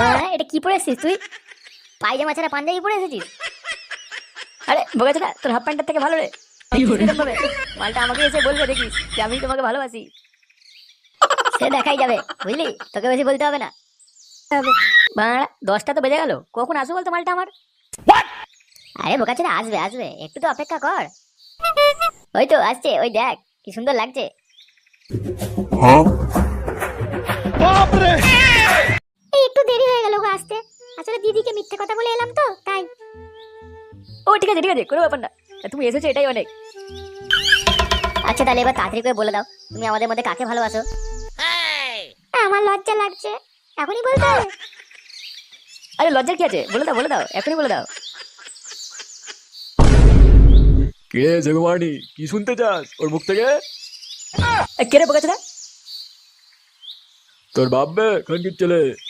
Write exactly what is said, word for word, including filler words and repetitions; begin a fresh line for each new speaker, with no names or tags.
এটা কি পরে এসেছিস তুই? পায়জামা ছাড়া পাঞ্জাবি পরে এসেছিস? আরে বোকাচোদা, তোর হাফ প্যান্টের থেকে ভালো রে। এরকম ভাবে মালটা আমাকে এসে বলবে দেখিস যে আমি তোমাকে ভালোবাসি। সে দেখাই যাবে, বুঝলি? তোকে বেশি বলতে হবে না। বাড়া, দশটা তো বেজে গেল, কখন আসবে বলতো মালটা আমার? আরে বোকাচোদা, আসবে আসবে, একটু তো অপেক্ষা কর। ওই তো আসছে, ওই দেখ কি সুন্দর লাগছে। এই একটু দেরি হয়ে গেল গো আসতে। আসলে দিদিকে মিথ্যে কথা বলে এলাম তো তাই। ও ঠিক আছে ঠিক আছে, কোনো ব্যাপার না, তুমি এসেছো এটাই অনেক। আচ্ছা তাহলে এবার তাড়াতাড়ি করে বলে দাও, তুমি আমাদের মধ্যে কাকে ভালোবাসো? আমার লজ্জা লাগছে, এখনই বলতে হবে? আরে লজ্জার কি আছে, বলে দাও বলে দাও, এখনই বলে দাও।
কে জগমানি, কি শুনতে চাস ওর মুখ থেকে?
কে রে বোকাচোদা?
তোর বাপ বে খানকির ছেলে।